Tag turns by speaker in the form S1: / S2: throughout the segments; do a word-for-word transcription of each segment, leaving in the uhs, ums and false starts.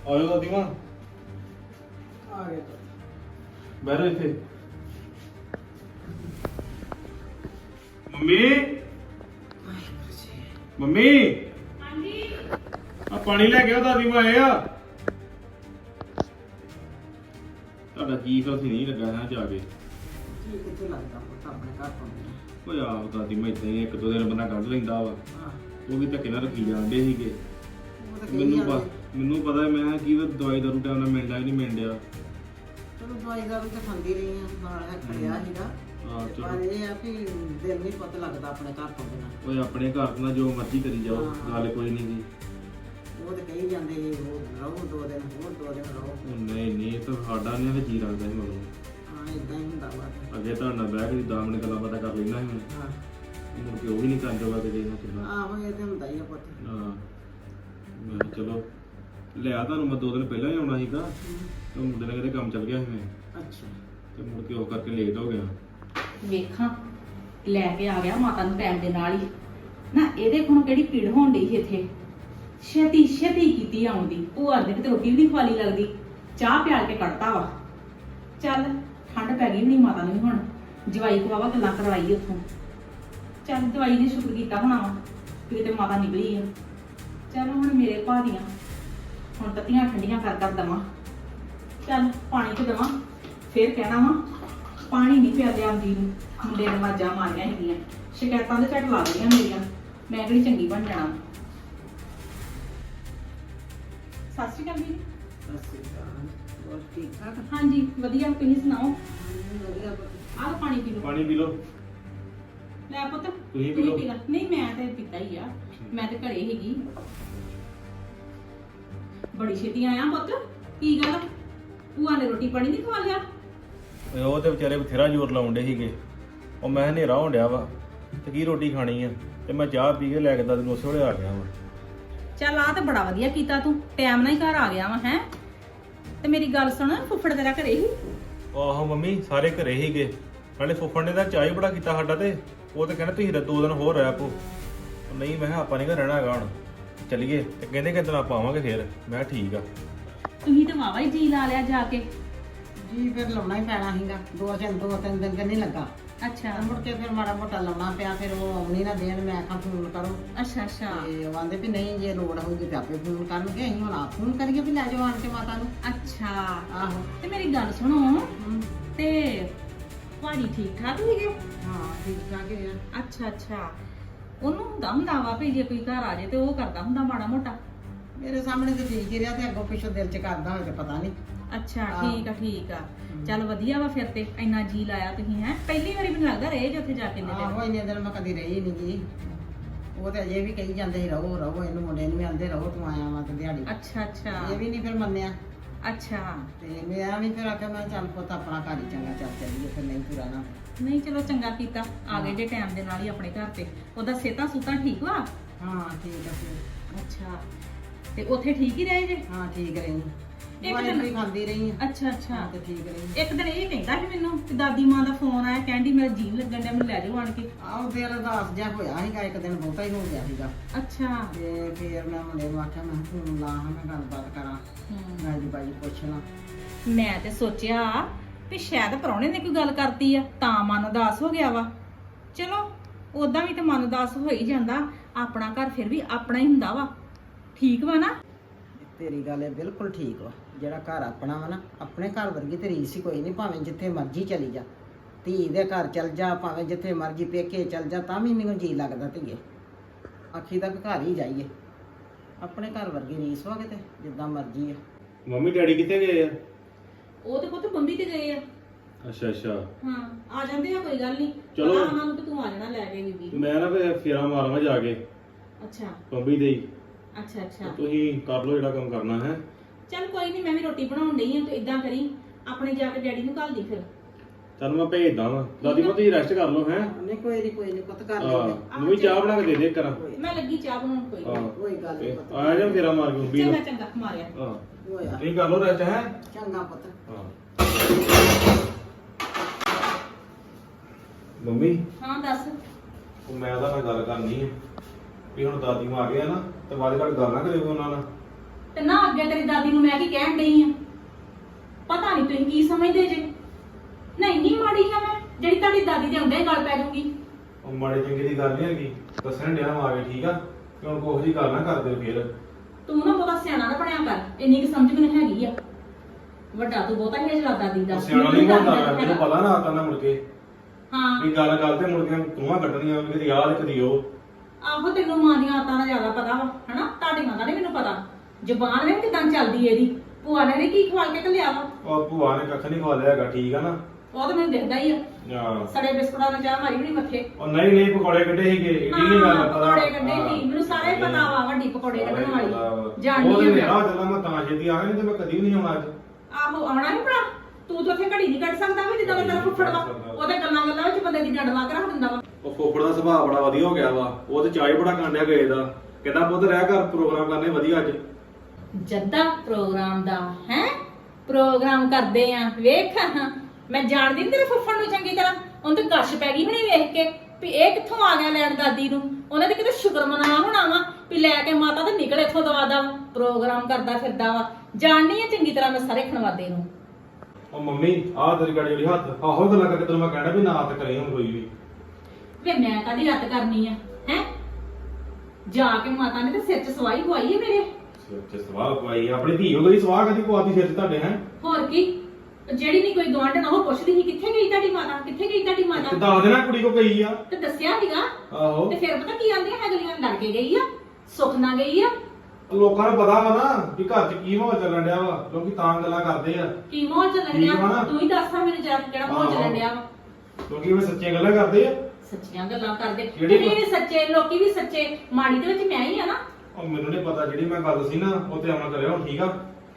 S1: ਆਇਓ ਦਾਦੀ ਮਾਂ
S2: ਆ ਗਏ
S1: ਬੈਠੋ ਇੱਥੇ। ਮੰਮੀ ਮੰਮੀ
S3: ਹਾਂਜੀ
S1: ਆ ਪਾਣੀ ਲੈ ਕੇ ਆਓ, ਦਾਦੀ ਮਾਂ ਆਏ ਆ। ਤੁਹਾਡਾ ਕੀ ਫਸ ਨਹੀਂ ਲੱਗਾ ਹੈ ਜਾ ਕੇ।
S2: ਕੀ ਕਿੱਥੇ ਲੱਗਦਾ ਪੁੱਤ ਆਪਣੇ ਘਰ ਤੋਂ।
S1: ਓਏ ਆਹ ਦਾਦੀ ਮਾਂ ਇਦਾਂ ਹੀ ਇੱਕ ਦੋ ਦਿਨ ਬੰਦਾ ਕੱਢ ਲੈਂਦਾ ਵਾ,
S2: ਹਾਂ
S1: ਉਹ ਵੀ ਧੱਕੇ ਨਾਲ ਰੱਖੀ ਜਾਂਦੇ ਸੀਗੇ।
S2: ਉਹ ਤਾਂ ਕਹੀ
S1: ਮੈਨੂੰ
S2: ਜਾਂਦੇ।
S1: ਪਤਾ ਮੈਨੂੰ ਪਤਾ ਮੈਂ ਕਿਹਾ ਕੀ ਦਵਾਈ ਦਾਰੂ ਟਾਈਮ ਨਾਲ ਮਿਲਦਾ ਕਿ ਨਹੀਂ ਮਿਲਦਾ।
S2: ਚਲੋ ਦਵਾਈ ਦਾ ਵੀ ਤਾਂ ਖਾਂਦੀ ਰਹੀ ਆ, ਨਾਲ ਹੈ ਖੜਿਆ ਸੀਗਾ।
S1: ਹਾਂ
S2: ਤੇ
S1: ਚਲੋ,
S2: ਪਰ ਇਹ ਆ ਵੀ ਦਿਲ ਨਹੀਂ ਪਤਾ ਲੱਗਦਾ ਆਪਣੇ ਘਰ ਤੋਂ ਬਿਨਾਂ।
S1: ਓਏ ਆਪਣੇ ਘਰ ਨਾਲ ਜੋ ਮਰਜ਼ੀ ਕਰੀ ਜਾਓ,
S2: ਹਾਂ।
S1: ਗੱਲ ਕੋਈ ਨਹੀਂ ਜੀ।
S2: ਉਹ ਤਾਂ ਕਹੀ ਜਾਂਦੇ ਸੀ, ਉਹ ਰਹੋ ਦੋ ਦਿਨ ਹੋਰ ਦੋ ਦਿਨ ਰਹੋ।
S1: ਉਹ ਨਹੀਂ ਨਹੀਂ, ਇਹ ਤਾਂ ਸਾਡਾ ਨਹੀਂ ਜੀ ਲੱਗਦਾ ਸੀ ਮਗਰੋਂ।
S2: ਹਾਂ ਇਦਾਂ ਹੀ ਹੁੰਦਾ ਵਾ।
S1: ਅੱਗੇ ਤੁਹਾਡਾ ਬਹਿ ਕੇ ਦਸ ਮਿੰਟ ਗੱਲਾਂ ਬਾਤਾਂ ਕਰ ਲੈਂਦਾ ਸੀ ਮੈਂ,
S2: ਹਾਂ
S1: ਮੁੜ ਕੇ ਉਹ ਵੀ ਨਹੀਂ ਕਰ ਜੋਗਾ ਕਿਤੇ ਨਾ ਕਿੰਨਾ।
S2: ਆਹੋ ਇਹ ਤੇ ਹੁੰਦਾ ਹੀ ਆ ਪੁੱਤ।
S1: ਹਾਂ ਮੈਂ ਕਿਹਾ ਚਲੋ ਲਿਆ ਤੁਹਾਨੂੰ ਮੈਂ ਦੋ ਦਿਨ ਪਹਿਲਾਂ ਹੀ ਆਉਣਾ ਸੀਗਾ, ਤੇ ਮੁੰਡੇ ਨੇ ਕਿਤੇ ਕੰਮ ਚੱਲ ਗਿਆ ਸੀ ਮੈਂ,
S2: ਅੱਛਾ
S1: ਤੇ ਮੁੜ ਕੇ ਉਹ ਕਰਕੇ ਲੇਟ ਹੋ ਗਿਆ।
S3: ਵੇਖਾਂ ਲੈ ਕੇ ਆ ਗਿਆ ਮਾਤਾ ਨੂੰ ਟਾਈਮ ਦੇ ਨਾਲ ਹੀ ਨਾ। ਇਹਦੇ ਕੋਲ ਕਿਹੜੀ ਪੀੜ ਹੋਣ ਡਈ ਸੀ ਇੱਥੇ। ਛੇਤੀ ਛੇਤੀ ਕੀਤੀ ਆਉਂਦੀ ਉਹ ਅਰਦੇ ਕਿਤੇ ਰੋਟੀ ਵੀ ਨਹੀਂ ਖਵਾਲੀ ਲੱਗਦੀ, ਚਾਹ ਪਿਆਲ ਕੇ ਕੱਢਤਾ ਵਾ। ਚੱਲ ਠੰਡ ਪੈ ਗਈ ਵੀ ਨਹੀਂ ਮਾਤਾ ਨੂੰ ਵੀ ਹੁਣ ਜਵਾਈ ਖਵਾਵਾ ਗੱਲਾਂ ਕਰਵਾਈ ਉੱਥੋਂ। ਚੱਲ ਦਵਾਈ ਨੇ ਸ਼ੁਕਰ ਕੀਤਾ ਹੋਣਾ ਵਾ ਕਿ ਕਿਤੇ ਮਾਤਾ ਨਿਕਲੀ ਆ। ਚੱਲ ਹੁਣ ਮੇਰੇ ਭਾ ਦੀਆਂ ਹੁਣ ਤੱਤੀਆਂ ਠੰਡੀਆਂ ਕਰ ਕਰ ਦਵਾਂ। ਚੱਲ ਪਾਣੀ ਤੇ ਦਵਾਂ, ਫੇਰ ਕਹਿਣਾ ਵਾ ਪਾਣੀ ਨਹੀਂ ਪਿਆ ਲਿਆਂਦੀ ਨੂੰ। ਮੁੰਡੇ ਨੇ ਮਾਜਾਂ ਮਾਰੀਆਂ ਹੈਗੀਆਂ, ਸ਼ਿਕਾਇਤਾਂ ਦੇ ਝੱਟ ਲਾ ਰਹੀਆਂ ਮੇਰੀਆਂ। ਮੈਂ ਕਿਹੜੀ ਚੰਗੀ ਬਣ ਜਾਣਾ। ਸਤਿ ਸ਼੍ਰੀ ਅਕਾਲ ਜੀ।
S2: ਸਤਿ ਸ਼੍ਰੀ ਅਕਾਲ। ਹੋਰ ਠੀਕ ਠਾਕ?
S3: ਹਾਂਜੀ ਵਧੀਆ, ਤੁਸੀਂ ਸੁਣਾਓ?
S2: ਹਾਂ, ਵਧੀਆ ਪੁੱਤ।
S3: ਆਹ ਲਓ ਪਾਣੀ ਪੀ ਲਓ।
S1: ਪਾਣੀ ਪੀ ਲਓ।
S3: ਲੈ ਪੁੱਤ
S1: ਤੁਸੀਂ ਪੀ ਲਓ।
S3: ਲਾ। ਨਹੀਂ ਮੈਂ ਤੇ ਪੀਤਾ ਹੀ ਆ, ਮੈਂ ਤੇ ਘਰੇ ਹੈਗੀ। ਬੜੀ ਛੇਤੀ ਆਇਆ ਪੁੱਤ, ਕੀ ਗੱਲ ਭੂਆ ਨੇ ਰੋਟੀ ਪਾਣੀ ਨਹੀਂ ਖਵਾ ਲਿਆ?
S1: ਓਏ ਉਹ ਤੇ ਵਿਚਾਰੇ ਬਥੇਰਾ ਜ਼ੋਰ ਲਾਉਂਦੇ ਸੀਗੇ। ਉਹ ਮੈਂ ਹਨੇਰਾ ਹੋਣ ਡਿਆ ਵਾ ਤੇ ਕੀ ਰੋਟੀ ਖਾਣੀ ਆ, ਤੇ ਮੈਂ ਚਾਹ ਪੀ ਕੇ ਲੈ ਕੇ ਦਾਦੀ ਨੂੰ ਉਸੇ ਵੇਲੇ ਆ ਗਿਆ ਵਾ।
S3: ਚੱਲ ਆ ਤੇ ਬੜਾ ਵਧੀਆ ਕੀਤਾ ਤੂੰ, ਟਾਈਮ ਨਾਲ ਹੀ ਘਰ ਆ ਗਿਆ ਵਾ ਹੈ। ਤੇ ਮੇਰੀ ਗੱਲ ਸੁਣ, ਫੁੱਫੜ ਤੇਰਾ ਘਰੇ ਹੀ?
S1: ਆਹੋ ਮੰਮੀ ਸਾਰੇ ਘਰੇ ਹੀਗੇ, ਨਾਲੇ ਫੁੱਫੜ ਨੇ ਤਾਂ ਚਾਹ ਹੀ ਬੜਾ ਕੀਤਾ ਸਾਡਾ, ਤੇ ਉਹ ਤੇ ਕਹਿੰਦੇ ਤੁਸੀਂ ਦੋ ਦਿਨ ਹੋਰ ਰਹਿ ਪੋ। ਨਹੀਂ ਮੈਂ ਕਿਹਾ ਆਪਾਂ ਨਹੀਂ ਘਰ ਰਹਿਣਾ ਹੈਗਾ, ਹੁਣ ਚੱਲੀਏ। ਤੇ ਕਹਿੰਦੇ ਕਿ ਦਿਨ ਆਪਾਂ ਆਵਾਂਗੇ ਫੇਰ। ਮੈਂ ਕਿਹਾ ਠੀਕ ਆ।
S3: ਤੁਸੀਂ ਤੇ ਵਾਵਾ ਹੀ ਜੀ ਲਾ ਲਿਆ ਜਾ ਕੇ।
S2: ਜੀ ਫਿਰ ਲਾਉਣਾ ਹੀ ਪੈਣਾ ਸੀਗਾ, ਦੋ ਦਿਨ ਦੋ ਤਿੰਨ ਦਿਨ ਤੇ ਨਹੀਂ ਲੱਗਾ।
S3: ਅੱਛਾ
S2: ਮੁੜ ਕੇ ਫਿਰ ਮਾੜਾ ਮੋਟਾ ਲਾਉਣਾ ਪਿਆ, ਫਿਰ ਉਹ ਆਉਣੀ ਨਾ ਦੇਣ। ਮੈਂ ਆਖਾਂ ਫੋਨ ਕਰੋ,
S3: ਅੱਛਾ ਅੱਛਾ
S2: ਤੇ ਉਹ ਆਂਦੇ ਵੀ ਨਹੀਂ ਜੇ ਲੋੜ ਹੋਊਗੀ ਤੇ ਆਪੇ ਫੋਨ ਕਰਨਗੇ। ਅਸੀਂ ਹੁਣ ਆਪ ਫੋਨ ਕਰੀਏ ਵੀ ਲੈ ਜਾਓ ਆਣ ਕੇ ਮਾਤਾ ਨੂੰ।
S3: ਅੱਛਾ।
S2: ਆਹੋ
S3: ਤੇ ਮੇਰੀ ਗੱਲ ਸੁਣੋ,
S2: ਹਮ,
S3: ਤੇ ਭਾਜੀ ਠੀਕ ਠਾਕ ਸੀਗੇ?
S2: ਹਾਂ ਠੀਕ ਠਾਕ ਹੀ ਆ।
S3: ਅੱਛਾ ਅੱਛਾ। ਉਹਨੂੰ ਹੁੰਦਾ ਹੁੰਦਾ ਵਾ ਵੀ ਜੇ ਕੋਈ ਘਰ ਆ ਜਾਏ ਤੇ ਉਹ ਕਰਦਾ ਹੁੰਦਾ ਮਾੜਾ ਮੋਟਾ?
S2: ਮੇਰੇ ਸਾਹਮਣੇ ਤੇ ਠੀਕ ਹੀ ਰਿਹਾ, ਤੇ ਅੱਗੋਂ ਪਿੱਛੋਂ ਦਿਲ ਚ ਕਰਦਾ ਹੋਵੇ ਤੇ ਪਤਾ ਨਹੀਂ।
S3: ਅੱਛਾ
S2: ਹਾਂ।
S3: ਠੀਕ ਆ ਠੀਕ ਆ। ਚੱਲ ਵਧੀਆ ਵਾ ਫਿਰ ਤੇ, ਇੰਨਾ ਜੀ ਲਾਇਆ ਤੁਸੀਂ ਹੈ। ਪਹਿਲੀ ਵਾਰੀ ਮੈਨੂੰ ਲੱਗਦਾ ਰਹੇ ਜੇ ਉੱਥੇ ਜਾ ਕੇ ਨੇ
S2: ਆਹੋ ਇੰਨੇ ਦਿਨ ਮੈਂ ਕਦੀ ਰਹੀ ਨਹੀਂ ਜੀ। ਉਹ ਤੇ ਅਜੇ ਵੀ ਕਹੀ ਜਾਂਦੇ ਸੀ ਰਹੋ ਰਹੋ, ਇਹਨੂੰ ਮੁੰਡੇ ਨੂੰ ਵੀ ਆਂਦੇ ਰਹੋ, ਤੂੰ ਆਇਆ ਵਾ ਤੇ ਦਿਹਾੜੀ।
S3: ਅੱਛਾ ਅੱਛਾ
S2: ਇਹ ਵੀ ਨਹੀਂ ਫਿਰ ਮੰਨਿਆ,
S3: ਅੱਛਾ।
S2: ਤੇ ਮੈਂ ਵੀ ਫਿਰ ਆਖਿਆ ਮੈਂ ਚੱਲ ਪੁੱਤ ਆਪਣਾ ਘਰ ਹੀ ਚੰਗਾ, ਚੱਲ ਚੱਲੀਏ ਫਿਰ ਨਹੀਂ ਤੂੰ ਰਹਿਣਾ।
S3: ਨਹੀਂ ਚਲੋ ਚੰਗਾ ਕੀਤਾ, ਆ ਗਏ ਜੇ ਟਾਈਮ ਦੇ ਨਾਲ ਹੀ ਆਪਣੇ ਘਰ ਤੇ। ਉਹਦਾ ਸਿਹਤਾਂ ਸੂਤਾਂ ਠੀਕ ਵਾ?
S2: ਹਾਂ ਠੀਕ ਆ ਫਿਰ।
S3: ਅੱਛਾ। ਤੇ ਉੱਥੇ ਠੀਕ ਹੀ ਰਹੇ ਜੇ?
S2: ਹਾਂ ਠੀਕ ਰਹੀ।
S3: ਇੱਕ
S2: ਦਵਾਈ
S3: ਦਿਨ
S2: ਵੀ ਖਾਂਦੀ ਰਹੀ ਆ।
S3: ਅੱਛਾ ਅੱਛਾ।
S2: ਹਾਂ ਤੇ ਠੀਕ ਰਹੀ।
S3: ਇੱਕ ਦਿਨ ਇਹ ਕਹਿੰਦਾ ਸੀ ਮੈਨੂੰ ਕਿ ਦਾਦੀ ਮਾਂ ਦਾ ਫੋਨ ਆਇਆ, ਕਹਿੰਦੀ ਮੇਰਾ ਜੀ ਲੱਗਣ ਡਿਆ, ਮੈਨੂੰ ਲੈ ਜਾਓ ਆਣ ਕੇ।
S2: ਆਹ ਦਿਲ ਉਦਾਸ ਜਿਹਾ ਹੋਇਆ ਸੀਗਾ, ਇੱਕ ਦਿਨ ਬਹੁਤਾ ਹੀ ਹੋ ਗਿਆ ਸੀਗਾ।
S3: ਅੱਛਾ।
S2: ਤੇ ਫਿਰ ਮੈਂ ਮੁੰਡੇ ਨੂੰ ਆਖਿਆ ਮੈਂ ਫੋਨ ਲਾ ਹਾਂ ਮੈਂ ਗੱਲਬਾਤ ਕਰਾਂ,
S3: ਹਮ।
S2: ਮੈਂ ਜੀ ਬਾਈ ਪੁੱਛ ਲਾਂ।
S3: ਮੈਂ ਤੇ ਸੋਚਿਆ ਵੀ ਸ਼ਾਇਦ ਪ੍ਰਾਹੁਣੇ ਨੇ ਕੋਈ ਗੱਲ ਕਰਤੀ ਆ ਤਾਂ ਮਨ ਉਦਾਸ ਹੋ ਗਿਆ ਵਾ। ਚਲੋ ਉਦਾਂ ਵੀ ਤਾਂ ਮਨ ਉਦਾਸ ਹੋ ਹੀ ਜਾਂਦਾ, ਆਪਣਾ ਘਰ ਫਿਰ ਵੀ ਆਪਣਾ ਹੀ ਹੁੰਦਾ ਵਾ। ਠੀਕ ਵਾ ਨਾ?
S2: ਤੇਰੀ ਗੱਲ ਇਹ ਬਿਲਕੁਲ ਠੀਕ ਵਾ। ਜਿਹੜਾ ਘਰ ਆਪਣਾ ਵਾ ਨਾ, ਆਪਣੇ ਘਰ ਵਰਗੀ ਤੇ ਰੀਸ ਹੀ ਕੋਈ ਨਹੀਂ। ਭਾਵੇਂ ਜਿੱਥੇ ਮਰਜ਼ੀ ਚਲੀ ਜਾ, ਧੀ ਦੇ ਘਰ ਚਲ ਜਾ, ਭਾਵੇਂ ਜਿੱਥੇ ਮਰਜ਼ੀ ਪੇਕੇ ਚਲ ਜਾ, ਤਾਂ ਵੀ ਮੈਨੂੰ ਜੀ ਲੱਗਦਾ ਧੀਏ। ਆਖੀ ਤੱਕ ਘਰ ਹੀ ਜਾਈਏ। ਆਪਣੇ ਘਰ ਵਰਗੀ ਰੀਸ ਵਾ ਕਿਤੇ, ਜਿੱਦਾਂ ਮਰਜ਼ੀ ਆ।
S1: ਮੰਮੀ ਡੈਡੀ ਕਿੱਥੇ ਗਏ ਆ?
S3: ਉਹ ਤੇ ਪੁੱਤ ਬੰਬੀ ਤੇ ਗਏ ਆ।
S1: ਅੱਛਾ ਅੱਛਾ।
S3: ਹਾਂ ਆ ਜਾਂਦੇ ਆ, ਕੋਈ ਗੱਲ ਨਹੀਂ।
S1: ਚਲੋ।
S3: ਪਤਾ ਉਹਨਾਂ ਨੂੰ ਕਿ ਤੂੰ ਆ ਜਾਣਾ ਲੈ ਕੇ ਬੀਬੀ ਨੂੰ।
S1: ਮੈਂ ਨਾ ਫੇਰ ਫੇਰਾ ਮਾਰਵਾ ਜਾ ਕੇ
S3: ਅੱਛਾ
S1: ਬੰਬੀ ਦੇ ਹੀ।
S3: ਅੱਛਾ
S1: ਤੇ
S3: ਅੱਛਾ।
S1: ਤੁਸੀਂ ਕਰ ਲਓ ਜਿਹੜਾ ਕੰਮ ਕਰਨਾ ਹੈ।
S3: ਚੱਲ ਕੋਈ ਨਹੀਂ, ਮੈਂ ਵੀ ਰੋਟੀ ਬਣਾਉਣ ਡਈ ਆ। ਤੂੰ ਇਦਾਂ ਕਰੀ, ਆਪਣੇ ਜਾ ਕੇ ਡੈਡੀ ਨੂੰ ਘੱਲ ਦੀ ਫਿਰ।
S1: ਚੱਲ ਮੈਂ ਭੇਜਦਾ ਵਾ। ਦਾਦੀ ਮਾਂ ਤੁਸੀਂ ਰੈਸਟ ਕਰ ਲਓ ਹੈ।
S2: ਨਹੀਂ ਕੋਈ ਨਹੀਂ ਕੋਈ ਨਹੀਂ ਪੁੱਤ, ਕਰ
S1: ਹਾਂ
S2: ਲੈਂਦੇ।
S1: ਮੰਮੀ ਚਾਹ ਬਣਾ ਕੇ ਦੇ ਦੇ ਕਰਾਂ।
S3: ਮੈਂ ਲੱਗੀ ਚਾਹ ਬਣਾਉਣ, ਕੋਈ ਨੀ।
S1: ਹਾਂ
S2: ਕੋਈ ਗੱਲ
S1: ਤੇ
S2: ਨਹੀਂ ਪੁੱਤ।
S1: ਆਇਆ ਜਾਂ ਫੇਰਾ ਮਾਰ ਕੇ ਬੰਬੀ ਨੂੰ।
S3: ਚੰਗਾ ਚੰਗਾ ਮਾਰਿਆ।
S1: ਹਾਂ
S2: ਹੋਇਆ
S1: ਤੁਸੀਂ ਕਰ ਲਓ ਰੈਸਟ ਹੈ।
S2: ਚੰਗਾ ਪੁੱਤ।
S1: ਹਾਂ ਮੰਮੀ
S3: ਹਾਂ ਦੱਸ।
S1: ਉਹ ਮੈਂ ਉਹਦਾ ਨਾਲ ਗੱਲ ਕਰਨੀ ਹੈ ਵੀ ਹੁਣ ਦਾਦੀ ਮਾਂ ਆ ਗਿਆ ਨਾ, ਤੇ ਬਾਅਦ ਘੱਟ ਗੱਲ ਨਾ ਕਰਿਓ ਉਹਨਾਂ ਨਾਲ।
S3: ਤੇ ਨਾ ਅੱਗੇ ਤੇਰੀ ਦਾਦੀ ਨੂੰ ਮੈਂ ਕੀ ਕਹਿਣ ਡਈ ਆ। ਪਤਾ ਨਹੀਂ ਤੁਸੀਂ ਕੀ ਸਮਝਦੇ ਜੇ। ਨਾ ਇੰਨੀ ਮਾੜੀ ਆ ਮੈਂ ਜਿਹੜੀ ਤੁਹਾਡੀ ਦਾਦੀ ਦੇ ਹੁੰਦੇ ਗੱਲ ਪੈ ਜਾਊਗੀ।
S1: ਉਹ ਮਾੜੇ ਚੰਗੇ ਦੀ ਗੱਲ ਨਹੀਂ ਹੈਗੀ, ਦੱਸਣ ਡਿਆ ਆ ਕੇ ਠੀਕ ਆ ਕਿ ਹੁਣ ਕੋਈ ਜੀ ਗੱਲ ਨਾ ਕਰਦੇ ਫੇਰ।
S3: ਤੂੰ ਨਾ ਬਹੁਤਾ ਸਿਆਣਾ ਨਾ ਬਣਿਆ ਕਰ, ਇੰਨੀ ਕਿ ਸਮਝ ਮੈਨੂੰ ਹੈਗੀ ਆ। ਵੱਡਾ ਤੂੰ ਬਹੁਤਾ ਹੀ ਜਲਾ ਦਾਦੀ ਦਾ।
S1: ਸਿਆਣਾ ਨਹੀਂ ਹੁੰਦਾ ਮੈਂ, ਤੈਨੂੰ ਪਤਾ ਨਾ ਆਤਾ ਨਾ ਮੁੜ ਕੇ
S3: ਹਾਂ
S1: ਵੀ ਗੱਲ ਕਰਦੇ ਮੁੜ ਕੇ ਤੂੰਹਾਂ ਕੱਢਣੀਆਂ ਵੀ ਕਦੀ ਯਾਦ ਕਦੀ ਉਹ।
S3: ਆਹੋ ਤੈਨੂੰ ਮਾਂ ਦੀਆਂ ਆਦਤਾਂ ਦਾ ਜ਼ਿਆਦਾ ਪਤਾ ਵਾ ਹਨਾ, ਤੁਹਾਡੀ ਮਾਂ ਦਾ ਨਹੀਂ ਮੈਨੂੰ ਪਤਾ। ਜ਼ੁਬਾਨ ਵੇ ਕਿਦਾਂ ਚੱਲਦੀ ਇਹਦੀ। ਭੂਆ ਨੇ ਕੀ ਖਵਾ ਕੇ ਘੱਲਿਆ ਵਾ?
S1: ਉਹ ਭੂਆ ਨੇ ਕੱਖ ਨਹੀਂ ਖਵਾ ਲਿਆ ਹੈਗਾ ਠੀਕ ਆ ਨਾ।
S3: ਉਹ ਤਾਂ ਮੈਨੂੰ ਦਿਖਦਾ ਹੀ ਆ,
S1: ਹਾਂ
S3: ਸੜੇ ਬਿਸਕੁਟਾਂ ਨਾਲ ਚਾਹ ਮਾਰੀ ਵੀ ਨਹੀਂ ਮੱਥੇ।
S1: ਉਹ ਨਹੀਂ ਨਹੀਂ ਪਕੌੜੇ ਕੱਢੇ ਸੀਗੇ, ਇਹਦੀ ਨਹੀਂ ਗੱਲ
S3: ਹਾਂ,
S1: ਪਤਾ।
S3: ਪਕੌੜੇ ਕੱਢੇ ਸੀ, ਮੈਨੂੰ ਸਾਰਾ ਹੀ ਪਤਾ ਵਾ ਵੱਡੀ ਪਕੌੜੇ ਕੱਢਣ ਵਾਲੀ ਜਾਣੀ
S1: ਉਹ ਤੇ
S3: ਆ
S1: ਮੇਰਾ
S3: ਮੈਂ।
S1: ਚੱਲਾਂ ਮੈਂ ਤਾਂ ਛੇਤੀ ਆ ਗਿਆ, ਨਹੀਂ ਤੇ ਮੈਂ ਕਦੀ ਵੀ ਨਹੀਂ ਆਉਣਾ ਅੱਜ।
S3: ਆਹੋ ਆਉਣਾ ਨਹੀਂ ਭਰਾ, ਤੂੰ ਤਾਂ ਉੱਥੇ ਘੜੀ ਨਹੀਂ ਕੱਢ ਸਕਦਾ ਵੀ ਜਿੱਦਾਂ ਦਾ ਤੇਰਾ ਫੁੱਫੜ ਵਾ। ਉਹਦੇ ਗੱਲਾਂ ਗੱਲਾਂ ਵਿੱਚ ਬੰਦੇ ਦੀ ਡੰਡ ਲਾ ਕੇ ਰੱਖ ਦਿੰਦਾ ਵਾ।
S1: ਉਹ ਫੋਫੜ ਦਾ ਸੁਭਾਅ ਬੜਾ ਵਧੀਆ ਹੋ ਗਿਆ ਵਾ, ਉਹ ਤੇ ਚਾਹ ਹੀ ਬੜਾ ਕਾਂਡਿਆ ਗਏ ਦਾ। ਕਹਿੰਦਾ ਪੁੱਤ ਰਹਿ ਘਰ ਪ੍ਰੋਗਰਾਮ ਕਰਨੇ ਵਧੀਆ ਅੱਜ।
S3: ਜੱਦਾ ਪ੍ਰੋਗਰਾਮ ਦਾ ਹੈ ਪ੍ਰੋਗਰਾਮ ਕਰਦੇ ਆ ਵੇਖ। ਮੈਂ ਜਾਣਦੀ ਨੀ ਤੇਰੇ ਫੁੱਫੜ ਨੂੰ ਚੰਗੀ ਤਰ੍ਹਾਂ, ਉਹਨੂੰ ਤੇ ਗਸ਼ ਪੈ ਗਈ ਹੁਣੀ ਵੇਖ ਕੇ ਵੀ ਇਹ ਕਿੱਥੋਂ ਆ ਗਿਆ ਲੈਣ ਦਾਦੀ ਨੂੰ। ਉਹਨੇ ਤੇ ਕਿਤੇ ਸ਼ੁਕਰ ਮਨਾਇਆ ਹੋਣਾ ਵਾ ਵੀ ਲੈ ਕੇ ਮਾਤਾ ਤੇ ਨਿਕਲ ਇੱਥੋਂ ਦਵਾ ਦਾ ਪ੍ਰੋਗਰਾਮ ਕਰਦਾ ਫਿਰਦਾ ਵਾ। ਜਾਣਨੀ ਆ ਚੰਗੀ ਤਰ੍ਹਾਂ ਮੈਂ ਸਾਰੇ ਖਣਵਾਦੇ ਨੂੰ।
S1: ਉਹ ਮੰਮੀ ਆਹ ਤੇਰੀ ਗਾੜੀ ਜਿਹੜੀ ਹੱਥ ਆਹੋ ਗੱਲਾਂ ਕਰਕੇ ਤੈਨੂੰ ਮੈਂ ਕਹਿਣਾ ਵੀ ਨਾ ਹੱਥ ਕਰੀ ਹੁਣ ਕੋਈ ਵੀ।
S3: ਵੇ ਮੈਂ ਕਾਹਦੀ ਰੱਤ ਕਰਨੀ ਆ ਹੈ? ਜਾ ਕੇ ਮਾਤਾ ਨੇ ਤੇ ਸਿਰ 'ਚ ਸਵਾਈ ਪਵਾਈ ਹੈ ਮੇਰੇ।
S1: ਸਿਰ 'ਚ ਸਵਾਹ ਪਵਾਈ ਆਪਣੀ ਧੀ ਹੋ ਗਈ, ਸਵਾਹ ਕਦੀ ਪਵਾਤੀ ਸਿਰ 'ਚ ਤੁਹਾਡੇ ਹੈ?
S3: ਹੋਰ ਕੀ, ਜਿਹੜੀ ਨਹੀਂ ਕੋਈ ਗਵਾਂਢਣ ਉਹ ਪੁੱਛਦੀ ਸੀ ਕਿੱਥੇ ਗਈ ਤੁਹਾਡੀ ਮਾਤਾ, ਕਿੱਥੇ ਗਈ ਤੁਹਾਡੀ
S1: ਤੇ
S3: ਮਾਤਾ।
S1: ਦੱਸ ਦੇਣਾ ਕੁੜੀ ਕੋ ਗਈ ਆ।
S3: ਤੇ ਦੱਸਿਆ ਸੀਗਾ
S1: ਆਹੋ
S3: ਤੇ ਫਿਰ ਪਤਾ ਕੀ ਆਂਦੀਆਂ ਹੈ ਅਗਲੀਆਂ ਲੜ ਕੇ ਗਈ ਆ, ਸੁੱਖ ਨਾਲ ਗਈ ਆ।
S1: ਲੋਕਾਂ ਨੂੰ ਪਤਾ ਵਾ ਨਾ ਵੀ ਘਰ 'ਚ ਕੀ ਮਾਹੌਲ ਚੱਲਣ ਡਿਆ ਵਾ, ਲੋਕੀ ਤਾਂ ਗੱਲਾਂ ਕਰਦੇ ਆ।
S3: ਕੀ ਮਾਹੌਲ ਚੱਲਣ
S1: ਠੀਕ ਵਾ ਨਾ?
S3: ਡਿਆ ਤੂੰ ਹੀ ਦੱਸ ਹਾਂ ਮੈਨੂੰ ਜਰਾ ਕਿਹੜਾ ਮਾਹੌਲ
S1: ਆਹੋ।
S3: ਚੱਲਣ ਡਿਆ ਵਾ।
S1: ਲੋਕੀ ਵੀ ਸੱਚੀਆਂ ਗੱਲਾਂ ਕਰਦੇ ਆ।
S3: ਸੱਚੀਆਂ ਗੱਲਾਂ ਕਰਦੇ
S1: ਜਿਹੜੀ-
S3: ਤੁਸੀਂ ਵੀ ਸੱਚੇ, ਲੋਕੀ ਵੀ ਸੱਚੇ, ਮਾੜੀ ਦੇ ਵਿੱਚ ਮੈਂ ਹੀ ਆ ਨਾ।
S1: ਉਹ ਮੈਨੂੰ ਨਹੀਂ ਪਤਾ, ਜਿਹੜੀ ਮੈਂ ਗੱਲ ਸੀ ਨਾ ਉਹ ਤੇ ਅਮਲ ਕਰਿਆ ਹੁਣ ਠੀਕ ਆ।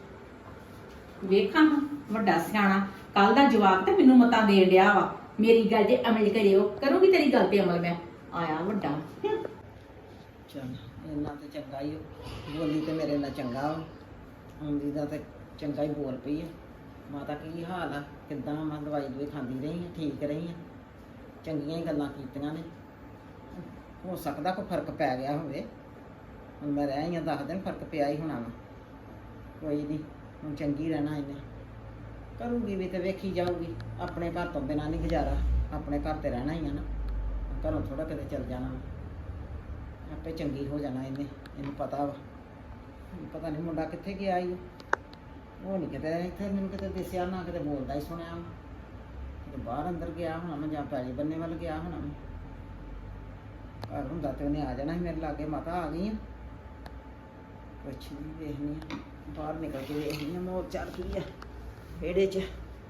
S3: ਵੇਖਾਂ ਹਾਂ, ਵੱਡਾ ਸਿਆਣਾ ਕੱਲ ਦਾ ਜਵਾਬ ਤੇ ਮੈਨੂੰ ਮਤਾਂ ਦੇਣ ਡਿਆ ਵਾ। ਮੇਰੀ ਗੱਲ ਜੇ ਅਮਲ ਕਰਿਓ, ਕਰੂੰਗੀ ਤੇਰੀ ਗੱਲ ਤੇ ਅਮਲ ਮੈਂ। ਆਇਆ ਵੱਡਾ ਹੂੰ।
S2: ਚੱਲ ਇੰਨਾ ਤੇ ਚੰਗਾ ਹੀ ਹੋ। ਬੋਲੀ ਤੇ ਮੇਰੇ ਨਾਲ ਚੰਗਾ ਵਾ, ਆਉਂਦੀ ਦਾ ਤੇ ਚੰਗਾ ਹੀ ਬੋਲ ਪਈ ਆ। ਮਾਤਾ ਕੀ ਹਾਲ ਆ, ਕਿੱਦਾਂ ਮੈਂ ਦਵਾਈ ਦਵਾਈ ਖਾਂਦੀ ਰਹੀ ਆ, ਠੀਕ ਰਹੀ ਆ, ਚੰਗੀਆਂ ਹੀ ਗੱਲਾਂ ਕੀਤੀਆਂ ਨੇ। ਹੋ ਸਕਦਾ ਕੋਈ ਫਰਕ ਪੈ ਗਿਆ ਹੋਵੇ, ਹੁਣ ਮੈਂ ਰਹਿ ਹੀ ਆ ਦਸ ਦਿਨ, ਫਰਕ ਪਿਆ ਹੀ ਹੋਣਾ ਵਾ। ਕੋਈ ਨਹੀਂ, ਹੁਣ ਚੰਗੀ ਰਹਿਣਾ ਇਹਨੇ। ਕਰੂਗੀ ਵੀ ਤੇ ਵੇਖੀ ਜਾਊਗੀ। ਆਪਣੇ ਘਰ ਤੋਂ ਬਿਨਾਂ ਨਹੀਂ ਗੁਜ਼ਾਰਾ, ਆਪਣੇ ਘਰ ਤੇ ਰਹਿਣਾ ਹੀ ਆ ਨਾ, ਘਰੋਂ ਥੋੜਾ ਕਿਤੇ ਚੱਲ ਜਾਣਾ ਵਾ। ਆਪੇ ਚੰਗੀ ਹੋ ਜਾਣਾ ਇਹਨੇ, ਇਹਨੂੰ ਪਤਾ ਵਾ। ਹੁਣ ਪਤਾ ਨਹੀਂ ਮੁੰਡਾ ਕਿੱਥੇ ਗਿਆ ਈ ਉਹ। ਉਹ ਨਹੀਂ ਕਿਤੇ ਇੱਥੇ ਮੈਨੂੰ ਕਿਤੇ ਦਿਸਿਆ, ਨਾ ਕਿਤੇ ਬੋਲਦਾ ਹੀ ਸੁਣਿਆ ਵਾ। ਕਿਤੇ ਬਾਹਰ ਅੰਦਰ ਗਿਆ ਹੋਣਾ ਮੈਂ, ਜਾਂ ਪੈਲੀ ਬੰਨੇ ਵੱਲ ਗਿਆ ਹੋਣਾ ਮੈਂ। ਘਰ ਹੁੰਦਾ ਤੇ ਉਹਨੇ ਆ ਜਾਣਾ ਸੀ ਮੇਰੇ ਲਾਗੇ। ਮਾਤਾ ਆ ਗਈ ਆ, ਕੁਛ ਨਹੀਂ ਵੇਖਣੀ ਆ, ਬਾਹਰ ਨਿਕਲ ਕੇ ਵੇਖਣੀ ਆ ਮੋਰ ਚੱਲ ਕੀ ਆ ਵਿਹੜੇ 'ਚ।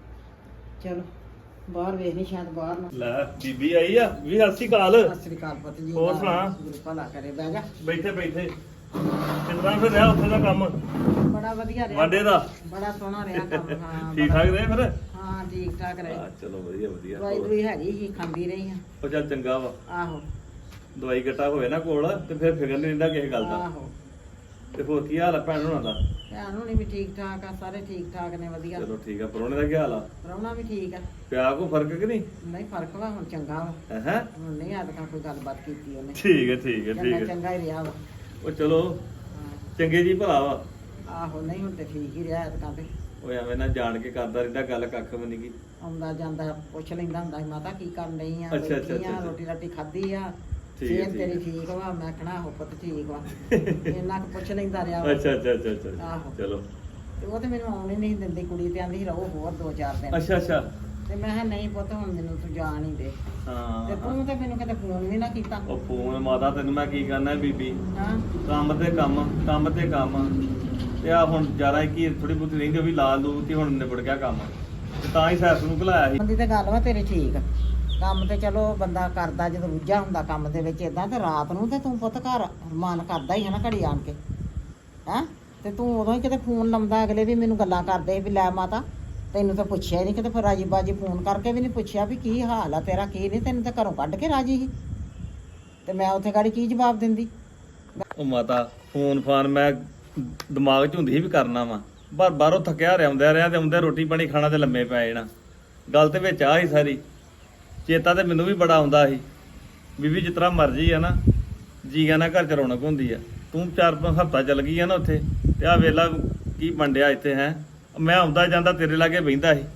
S2: ਚਲੋ ਬਾਹਰ ਵੇਖਣੀ, ਸ਼ਾਇਦ ਬਾਹਰ ਨਾ।
S1: ਲੈ ਬੀਬੀ ਆਈ ਆ ਵੀ। ਸਤਿ ਸ਼੍ਰੀ ਅਕਾਲ।
S2: ਸਤਿ ਸ੍ਰੀ ਅਕਾਲ ਪੁੱਤ ਜੀ।
S1: ਹੋਰ ਸੁਣਾ?
S2: ਗੁਰੂ ਭਲਾ ਕਰੇ, ਬਹਿ ਜਾ।
S1: ਬੈਠੇ ਬੈਠੇ ਕਿੰਨਾ ਫਿਰ ਰਿਹਾ ਉੱਥੇ ਦਾ ਕੰਮ
S2: ਬੜਾ ਵਧੀਆ ਰਿਹਾ,
S1: ਵਾਂਡੇ ਦਾ?
S2: ਬੜਾ ਸੋਹਣਾ ਰਿਹਾ ਕੰਮ। ਹਾਂ
S1: ਠੀਕ
S2: ਬੜਾ-
S1: ਠਾਕ ਰਹੇ ਫਿਰ?
S2: ਹਾਂ ਠੀਕ ਠਾਕ ਰਹੇ।
S1: ਹਾਂ ਚਲੋ ਵਧੀਆ ਵਧੀਆ।
S2: ਦਵਾਈ ਦਵਾਈ ਹੈਗੀ ਸੀ, ਖਾਂਦੀ ਰਹੀ ਹਾਂ।
S1: ਉਹ ਚੱਲ ਚੰਗਾ ਵਾ,
S2: ਆਹੋ
S1: ਦਵਾਈ ਘਟਾ ਹੋਵੇ ਨਾ ਕੋਲ ਤੇ ਫਿਰ ਫਿਕਰ ਨਹੀਂ ਰਹਿੰਦਾ ਕਿਸੇ ਗੱਲ ਦਾ।
S2: ਆਹੋ
S1: ਤੇ ਹੋਰ ਕੀ ਹਾਲ ਆ ਭੈਣ ਹੋਣਾ ਦਾ?
S2: ਭੈਣ ਹੋਣੀ ਵੀ ਠੀਕ ਠਾਕ ਆ, ਸਾਰੇ ਠੀਕ ਠਾਕ ਨੇ, ਵਧੀਆ।
S1: ਚਲੋ ਠੀਕ ਆ। ਪਰੋਣੇ ਦਾ ਕੀ ਹਾਲ ਆ?
S2: ਪ੍ਰਾਹੁਣਾ ਵੀ ਠੀਕ ਆ।
S1: ਪਿਆ ਕੋ ਫਰਕ ਕਿ ਨਹੀਂ?
S2: ਨਹੀਂ ਫਰਕ ਵਾ, ਹੁਣ ਚੰਗਾ ਵਾ।
S1: ਹੈ
S2: ਹੁਣ ਨਹੀਂ ਅੱਜ ਤੱਕ ਕੋਈ ਗੱਲਬਾਤ ਕੀਤੀ ਉਹਨੇ।
S1: ਠੀਕ ਹੈ ਠੀਕ ਹੈ
S2: ਚੰਗਾ
S1: ਠੀਕ ਹੈ।
S2: ਚੰਗਾ ਹੀ ਰਿਹਾ ਵਾ।
S1: ਉਹ ਚਲੋ
S2: ਹਾਂ।
S1: ਚੰਗੇ ਜੀ ਭਲਾ ਵਾ।
S2: ਆਹੋ ਨਹੀਂ ਹੁਣ ਤੇ ਠੀਕ ਹੀ ਰਿਹਾ ਅੱਜ ਤੱਕ ਤੇ।
S1: ਉਹ ਐਵੇਂ ਨਾ ਜਾਣ ਕੇ ਕਰਦਾ ਰਹਿੰਦਾ ਗੱਲ, ਕੱਖ ਵੀ ਨਹੀਂ ਗੀ।
S2: ਆਉਂਦਾ ਜਾਂਦਾ ਪੁੱਛ ਲੈਂਦਾ ਹੁੰਦਾ ਸੀ, ਮਾਤਾ ਕੀ ਕਰਨ ਡਈ ਆ,
S1: ਅੱਛਾ, ਅੱਛਾ,
S2: ਬੈਠੀ ਆ,
S1: ਅੱਛਾ।
S2: ਰੋਟੀ ਰਾਟੀ ਖਾਧੀ ਆ,
S1: ਠੀਕ ਹੈ,
S2: ਸਿਹਤ
S1: ਠੀਕ
S2: ਤੇਰੀ
S1: ਹੈ।
S2: ਠੀਕ ਵਾ? ਮੈਂ ਕਹਣਾ ਆਹੋ ਪੁੱਤ ਠੀਕ ਵਾ। ਇੰਨਾ ਕੁ ਪੁੱਛ ਲੈਂਦਾ ਰਿਹਾ ਵਾ।
S1: ਅੱਛਾ ਅੱਛਾ ਅੱਛਾ ਅੱਛਾ
S2: ਆਹੋ।
S1: ਚਲੋ।
S2: ਤੇ ਉਹ ਤੇ ਮੈਨੂੰ ਆਉਣ ਹੀ ਨਹੀਂ ਦਿੰਦੀ, ਕੁੜੀ ਤੇ ਆਂਦੀ ਸੀ ਰਹੋ ਹੋਰ ਦੋ ਚਾਰ ਦਿਨ।
S1: ਅੱਛਾ ਅੱਛਾ।
S2: ਤੇ ਮੈਂ ਕਿਹਾ ਨਹੀਂ ਪੁੱਤ ਹੁਣ ਮੈਨੂੰ ਤੂੰ ਜਾਣ ਹੀ ਦੇ। ਤੇ
S1: ਹਾਂ
S2: ਤੂੰ ਤੇ ਮੈਨੂੰ ਕਦੇ ਫੋਨ ਵੀ ਨਾ ਕੀਤਾ।
S1: ਉਹ ਫੋਨ ਮਾਤਾ ਤੈਨੂੰ ਮੈਂ ਕੀ ਕਰਨਾ ਬੀਬੀ,
S2: ਹਾਂ
S1: ਕੰਮ ਤੇ ਕੰਮ ਕੰਮ ਤੇ ਕੰਮ। ਤੇ ਆ ਹੁਣ ਜ਼ਿਆਦਾ ਕੀ ਥੋੜੀ ਬਹੁਤੀ ਰਹਿੰਦੀ ਉਹ ਵੀ ਲਾ ਲੂ ਤੇ ਹੁਣ ਨਿਬੜ ਗਿਆ ਕੰਮ, ਤੇ ਤਾਂ ਹੀ ਸੈਸ ਨੂੰ ਘਲਾਇਆ ਸੀ।
S2: ਬੰਦੀ ਤੇ ਗੱਲ ਵਾ ਤੇਰੀ ਠੀਕ। ਕੰਮ ਤੇ ਚਲੋ ਬੰਦਾ ਕਰਦਾ ਜਦੋਂ ਰੁੱਝਾ ਹੁੰਦਾ ਕੰਮ ਦੇ ਵਿੱਚ ਏਦਾਂ, ਤੇ ਰਾਤ ਨੂੰ ਤੇ ਤੂੰ ਪੁੱਤ ਘਰ ਮਨ ਕਰਦਾ ਹੀ ਹੈ ਨਾ ਘੜੀ ਆਣ ਕੇ। ਹੈਂ ਤੇ ਤੂੰ ਉਦੋਂ ਹੀ ਕਿਤੇ ਫੋਨ ਲਾਉਂਦਾ, ਅਗਲੇ ਵੀ ਮੈਨੂੰ ਗੱਲਾਂ ਕਰਦੇ ਵੀ ਲੈ ਮਾਤਾ ਤੈਨੂੰ ਤਾਂ ਪੁੱਛਿਆ ਹੀ ਨਹੀਂ ਕਿਤੇ, ਫਿਰ ਰਾਜੀ ਬਾਜੀ ਫੋਨ ਕਰਕੇ ਵੀ ਨਹੀਂ ਪੁੱਛਿਆ ਵੀ ਕੀ ਹਾਲ ਆ ਤੇਰਾ, ਕੀ ਨਹੀਂ। ਤੈਨੂੰ ਤਾਂ ਘਰੋਂ ਕੱਢ ਕੇ ਰਾਜੀ ਸੀ, ਤੇ ਮੈਂ ਉੱਥੇ ਗਾੜੀ ਕੀ ਜਵਾਬ ਦਿੰਦੀ।
S1: ਉਹ ਮਾਤਾ ਫੋਨ ਫਾਨ ਮੈਂ ਦਿਮਾਗ 'ਚ ਹੁੰਦੀ ਸੀ ਵੀ ਕਰਨਾ ਵਾ, ਪਰ ਬਾਹਰੋਂ ਥੱਕਿਆ ਰਿਹਾ ਆਉਂਦਿਆ ਰਿਹਾ ਤੇ ਆਉਂਦੇ ਰੋਟੀ ਪਾਣੀ ਖਾਣਾ ਤੇ ਲੰਮੇ ਪੈ ਜਾਣਾ। ਗੱਲ ਤੇ ਵਿੱਚ ਆ ਹੀ ਸਾਰੀ। ਚੇਤਾ ਤੇ ਮੈਨੂੰ ਵੀ ਬੜਾ ਆਉਂਦਾ ਸੀ ਬੀਬੀ, ਜਿਸ ਤਰ੍ਹਾਂ ਮਰਜ਼ੀ ਆ ਨਾ ਜੀਆਂ ਨਾਲ ਘਰ ਚ ਰੌਣਕ ਹੁੰਦੀ ਆ।
S4: ਤੂੰ ਚਾਰ ਪੰਜ ਹਫ਼ਤਾ ਚੱਲ ਗਈ ਆ ਨਾ ਉੱਥੇ ਤੇ ਆ ਵੇਲਾ ਕੀ ਬੰਡਿਆ ਇੱਥੇ ਹੈ ਮੈਂ ਆਉਂਦਾ ਜਾਂਦਾ ਤੇਰੇ ਲਾਗੇ ਬਹਿੰਦਾ ਸੀ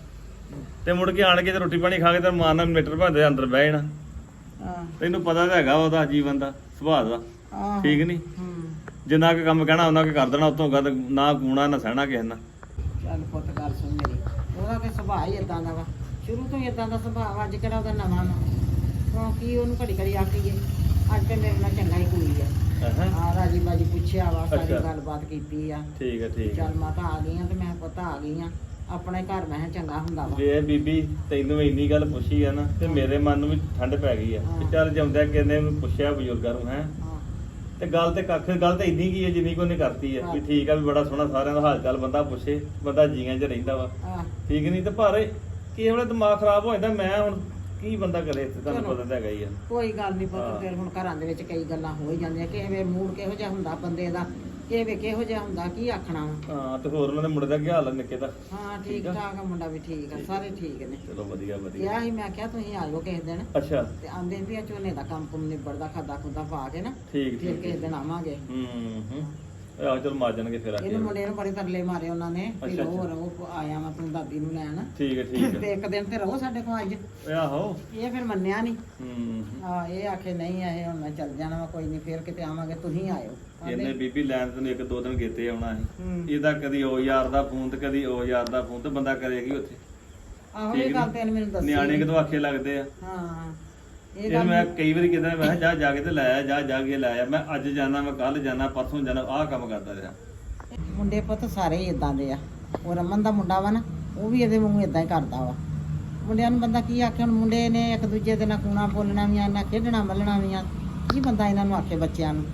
S4: ਤੇ ਮੁੜ ਕੇ ਆਣ ਕੇ ਤੇ ਰੋਟੀ ਪਾਣੀ ਖਾ ਕੇ ਤੇ ਮਾਂ ਨਾਲ ਮੀਟਰ ਭਾਂਦੇ ਅੰਦਰ ਬਹਿ ਜਾਣਾ
S2: ਹਾਂ
S4: ਤੈਨੂੰ ਪਤਾ ਤਾਂ ਹੈਗਾ ਉਹਦਾ ਜੀਵਨ ਦਾ ਸੁਭਾਅ ਦਾ
S2: ਆਹੋ।
S4: ਠੀਕ ਨਹੀਂ
S2: ਹੂੰ
S4: ਜਿੰਨਾ ਕੁ ਕੰਮ ਕਹਿਣਾ ਉਹਨਾਂ ਕੁ ਕਰ ਦੇਣਾ ਉਤੋਂ ਗੱਲ ਨਾ ਕੂਣਾ ਨਾ ਸਹਿਣਾ ਕਿਸੇ ਨਾਲ
S2: ਚੱਲ ਪੁੱਤ ਗੱਲ ਸੁਣ ਮੇਰੀ ਉਹਦਾ ਤੇ ਸੁਭਾਅ ਹੀ ਇਦਾਂ ਦਾ ਵਾ ਸ਼ੁਰੂ ਤੋਂ ਹੀ ਇਦਾਂ ਦਾ ਸੁਭਾਅ ਵਾ ਅੱਜ ਕਿਹੜਾ ਉਹਦਾ ਨਵਾਂ ਵਾ ਕਿਉਂਕਿ ਉਹਨੂੰ ਘੜੀ ਘੜੀ ਆਖੀਏ ਅੱਜ ਤੇ ਮੇਰੇ ਨਾਲ ਚੰਗਾ ਹੀ ਕੋਈ ਆ
S4: ਹਾਂ
S2: ਆ ਰਾਜੀ ਬਾਜੀ ਪੁੱਛਿਆ ਵਾ ਸਾਰੀ
S4: ਅੱਛਾ।
S2: ਗੱਲਬਾਤ ਕੀਤੀ ਆ
S4: ਠੀਕ ਹੈ ਠੀਕ ਹੈ
S2: ਚੱਲ ਮਾਤਾ ਆ ਗਈ ਆ ਤੇ ਮੈਂ ਪੁੱਤ ਆ ਗਈ ਆ ਆਪਣੇ ਘਰ ਮੈਂ ਕਿਹਾ ਚੰਗਾ ਹੁੰਦਾ ਵਾ
S4: ਵੇ ਬੀਬੀ ਤੈਨੂੰ ਇੰਨੀ ਗੱਲ ਪੁੱਛੀ ਆ ਨਾ ਤੇ ਮੇਰੇ ਮਨ ਨੂੰ ਵੀ ਠੰਡ ਪੈ ਗਈ ਆ ਕਿ ਚੱਲ ਜਾਂਦਿਆ ਕਿਨੇ ਪੁੱਛਿਆ ਬਜ਼ੁਰਗਾਂ ਨੂੰ ਹੈ
S2: ਹਾਂ
S4: ਤੇ ਗੱਲ ਤੇ ਕੱਖ ਗੱਲ ਤੇ ਇੰਨੀ ਕੀ ਹੈ ਜਿੰਨੀ ਕੋ ਨੇ ਕਰਤੀ ਹੈ ਵੀ ਠੀਕ ਆ ਵੀ ਬੜਾ ਸੋਹਣਾ ਸਾਰਿਆਂ ਦਾ ਹਾਲ ਚਾਲ ਬੰਦਾ ਪੁੱਛੇ ਬੰਦਾ ਜੀਆਂ 'ਚ ਰਹਿੰਦਾ ਵਾ
S2: ਹਾਂ
S4: ਠੀਕ ਨਹੀਂ ਤੇ ਪਰ ਕਿਸੇ ਵੇਲੇ ਦਿਮਾਗ ਖਰਾਬ ਹੋ ਜਾਂਦਾ ਮੈਂ ਹੁਣ ਕੀ ਬੰਦਾ ਕਰੇ ਇੱਥੇ ਤੁਹਾਨੂੰ
S2: ਚਲੋ।
S4: ਪਤਾ ਤਾਂ ਹੈਗਾ ਹੀ ਆ
S2: ਕੋਈ ਗੱਲ ਨਹੀਂ
S4: ਹਾਂ।
S2: ਪੁੱਤ ਫਿਰ ਹੁਣ ਘਰਾਂ ਦੇ ਵਿੱਚ ਕਈ ਗੱਲਾਂ ਹੋ ਹੀ ਜਾਂਦੀਆਂ ਕਿਸੇ ਵੇ ਮੂਡ ਕਿਹੋ ਜਿਹਾ ਹੁੰਦਾ ਬੰਦੇ ਦਾ ਕਿਸੇ ਵੇ ਕਿਹੋ ਜਿਹਾ ਹੁੰਦਾ ਕੀ ਆਖਣਾ ਵਾ
S4: ਹਾਂ ਤੇ ਹੋਰ ਉਹਨਾਂ ਦੇ ਮੁੰਡੇ ਦਾ ਕੀ ਹਾਲ ਆ ਨਿੱਕੇ ਦਾ
S2: ਹਾਂ ਠੀਕ
S4: ਠੀਕ ਆ।
S2: ਠਾਕ ਆ ਮੁੰਡਾ ਵੀ ਠੀਕ ਆ ਸਾਰੇ ਠੀਕ ਨੇ
S4: ਚਲੋ ਵਧੀਆ ਵਧੀਆ
S2: ਕਿਹਾ ਸੀ ਮੈਂ ਕਿਹਾ ਤੁਸੀਂ ਆਇਓ ਕਿਸੇ ਦਿਨ
S4: ਅੱਛਾ
S2: ਤੇ ਆਂਦੇ ਵੀ ਆ ਝੋਨੇ ਦਾ ਕੰਮ ਕੁਮ ਨਿਬੜਦਾ ਖਾਦਾ ਖੁਦਾ ਪਾ ਕੇ ਨਾ
S4: ਠੀਕ
S2: ਫਿਰ
S4: ਠੀਕ
S2: ਕਿਸੇ ਦਿਨ ਆਵਾਂਗੇ
S4: ਹੂੰ ਹੂੰ ਆਹ ਚਲ ਮਾਰ ਜਾਣਗੇ ਫਿਰ ਆ ਕੇ
S2: ਇਹਨੂੰ ਮੁੰਡੇ ਨੂੰ ਬੜੇ ਤਰਲੇ ਮਾਰੇ ਉਹਨਾਂ ਨੇ ਵੀ
S4: ਅੱਛਾ,
S2: ਹੋਰ ਉਹ ਆਇਆ ਮੈਂ ਆਪਣੀ ਦਾਦੀ ਨੂੰ ਲੈਣ
S4: ਠੀਕ ਹੈ ਠੀਕ ਹੈ
S2: ਤੇ ਇੱਕ ਦਿਨ ਤੇ ਰਹੋ ਸਾਡੇ ਕੋਲ ਅੱਜ
S4: ਓਏ ਆਹੋ
S2: ਇਹ ਫਿਰ ਮੰਨਿਆ ਨਹੀਂ
S4: ਹੂੰ
S2: ਹਾਂ ਇਹ ਆਖੇ ਨਹੀਂ ਆਏ ਹੁਣ ਮੈਂ ਚੱਲ ਜਾਣਾ ਵਾ ਕੋਈ ਨਹੀਂ ਫਿਰ ਕਿਤੇ ਆਵਾਂਗੇ ਤੁਸੀਂ ਆਇਓ ਆਂਹਦੇ,
S4: ਇਹਨੇ ਬੀਬੀ ਲੈਣ ਤੈਨੂੰ ਇੱਕ ਦੋ ਦਿਨ ਗੇਤੇ ਆਉਣਾ ਸੀ
S2: ਹੂੰ।
S4: ਇਹਦਾ ਕਦੀ ਉਹ ਯਾਰ ਦਾ ਫੋਨ ਤੇ ਕਦੀ ਉਹ ਯਾਰ ਦਾ ਫੋਨ ਤੇ ਬੰਦਾ ਕਰੇਗੀ ਉੱਥੇ
S2: ਆਹੋ
S4: ਠੀਕ
S2: ਇਹ ਗੱਲ
S4: ਨੀ?
S2: ਤੇ ਇਹਨੇ ਮੈਨੂੰ ਦੱਸੀ
S4: ਨਿਆਣੇ ਕਿਦੋਂ ਆਖੇ ਲੱਗਦੇ ਆ
S2: ਹਾਂ ਇਹ
S4: ਇਹ
S2: ਗੱਲ
S4: ਮੈਂ ਕਈ ਵਾਰੀ ਕਿਦਾਂ ਮੈਂ ਕਿਹਾ ਜਾ ਜਾ ਕੇ ਤੇ ਲਾਇਆ ਜਾ ਜਾ ਕੇ ਲਾਇਆ ਮੈਂ ਅੱਜ ਜਾਣਾ ਮੈਂ ਕੱਲ ਜਾਣਾ ਪਰਸੋਂ ਜਾਣਾ ਆਹ ਕੰਮ ਕਰਦਾ ਰਿਹਾ
S2: ਮੁੰਡੇ ਪੁੱਤ ਸਾਰੇ ਹੀ ਇਦਾਂ ਦੇ ਆ ਉਹ ਰਮਨ ਦਾ ਮੁੰਡਾ ਵਾ ਨਾ ਉਹ ਵੀ ਇਹਦੇ ਵਾਂਗੂ ਇਦਾਂ ਹੀ ਕਰਦਾ ਵਾ ਮੁੰਡਿਆਂ ਨੂੰ ਬੰਦਾ ਕੀ ਆਖੇ ਹੁਣ ਮੁੰਡੇ ਨੇ ਇੱਕ ਦੂਜੇ ਦੇ ਨਾਲ ਕੂਣਾ ਬੋਲਣਾ ਵੀ ਆ ਨਾ ਖੇਡਣਾ ਮੱਲਣਾ ਵੀ ਆ ਕੀ ਬੰਦਾ ਇਹਨਾਂ ਨੂੰ ਆਖੇ ਬੱਚਿਆਂ ਨੂੰ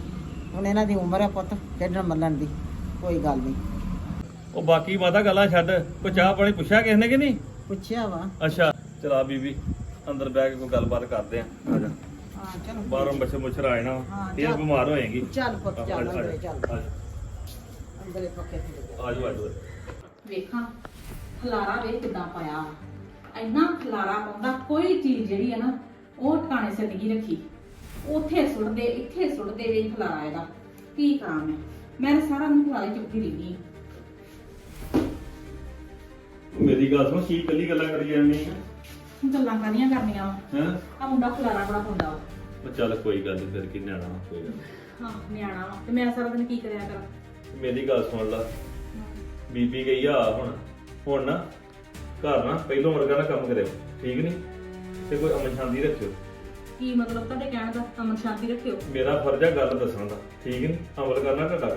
S2: ਹੁਣ ਇਹਨਾਂ ਦੀ ਉਮਰ ਆ ਪੁੱਤ ਖੇਡਣ ਮੱਲਣ ਦੀ ਕੋਈ ਗੱਲ ਨਹੀਂ
S4: ਉਹ ਬਾਕੀ ਮਾਤਾ ਗੱਲਾਂ ਛੱਡ ਕੋਈ ਚਾਹ ਪਾਣੀ ਪੁੱਛਿਆ ਕਿਸ ਨੇ ਕਿ ਨਹੀਂ
S2: ਪੁੱਛਿਆ ਵਾ
S4: ਅੱਛਾ ਚਲਾ ਬੀਬੀ ਅੰਦਰ ਬਹਿ ਕੇ ਕੋਈ ਗੱਲਬਾਤ ਕਰਦੇ ਆ ਆ ਜਾ
S2: ਹਾਂ ਚਲੋ
S4: ਬਾਹਰੋਂ ਮੱਛਰ ਮੁੱਛਰ ਆ ਜਾਣਾ
S2: ਹਾਂ,
S4: ਫਿਰ
S2: ਚੱਲ।
S4: ਬਿਮਾਰ ਹੋਏਗੀ
S2: ਚੱਲ ਪੁੱਤ ਚੱਲ
S4: ਆ ਜਾ,
S2: ਅੰਦਰੇ ਚੱਲ
S4: ਆ ਜਾ,
S2: ਅੰਦਰੇ ਪੱਕੇ ਥੱਲੇ ਜਾ।
S4: ਆ ਜਾਓ ਆ ਜਾਓ
S3: ਵੇਖਾਂ ਖਲਾਰਾ ਵੇਖ ਕਿਦਾਂ ਪਾਇਆ ਇੰਨਾ ਖਲਾਰਾ ਪਾਉਂਦਾ ਕੋਈ ਚੀਜ਼ ਜਿਹੜੀ ਹੈ ਨਾ ਉਹ ਟਿਕਾਣੇ ਸਿਰ ਨਹੀਂ ਰੱਖੀ ਉੱਥੇ ਸੁੱਟਦੇ ਇੱਥੇ ਸੁੱਟਦੇ ਵੇਖ ਖਲਾਰਾ ਇਹਦਾ ਕੀ ਕਰਾਂ ਮੈਂ ਮੈਂ ਤਾਂ ਸਾਰਾ ਦਿਨ ਖਲਾਰੇ ਚੁੱਕੀ ਰਹਿੰਦੀ ਹਾਂ।
S4: ਮੇਰੀ ਗੱਲ ਸੁਣ ਕੀ ਕੱਲੀ ਗੱਲਾਂ ਕਰੀ ਜਾਂਦੀ ਹੈ
S3: ਗੱਲਾਂ ਕਾਹਦੀਆਂ ਕਰਨੀਆਂ ਵਾ
S4: ਹੈਂ?
S3: ਆ ਮੁੰਡਾ ਖਲਾਰਾ ਬੜਾ ਪਾਉਂਦਾ ਵਾ
S4: ਉਹ ਚੱਲ ਕੋਈ ਗੱਲ ਨਹੀਂ ਫਿਰ ਕੀ ਨਿਆਣਾ ਵਾ, ਕੋਈ ਗੱਲ ਨੀ।
S3: ਹਾਂ ਨਿਆਣਾ ਵਾ ਤੇ ਮੈਂ ਸਾਰਾ ਦਿਨ ਕੀ ਕਰਿਆ ਕਰਾਂ
S4: ਮੇਰੀ ਗੱਲ ਸੁਣ ਲਾ ਬੀਬੀ ਗਈ ਆ ਹੁਣ ਹੁਣ ਨਾ ਘਰ ਨਾ ਪਹਿਲੋਂ ਵਰਗਾ ਨਾ ਕੰਮ ਕਰਿਓ ਠੀਕ ਨਹੀਂ ਤੇ ਕੋਈ ਅਮਨ ਸ਼ਾਂਤੀ ਰੱਖਿਓ
S3: ਕੀ ਮਤਲਬ ਤੁਹਾਡੇ ਕਹਿਣ ਦਾ ਅਮਨ ਸ਼ਾਂਤੀ ਰੱਖਿਓ
S4: ਮੇਰਾ ਫਰਜ਼ ਆ ਗੱਲ ਦੱਸਣ ਦਾ ਠੀਕ ਨਹੀਂ ਅਮਲ ਕਰਨਾ ਤੁਹਾਡਾ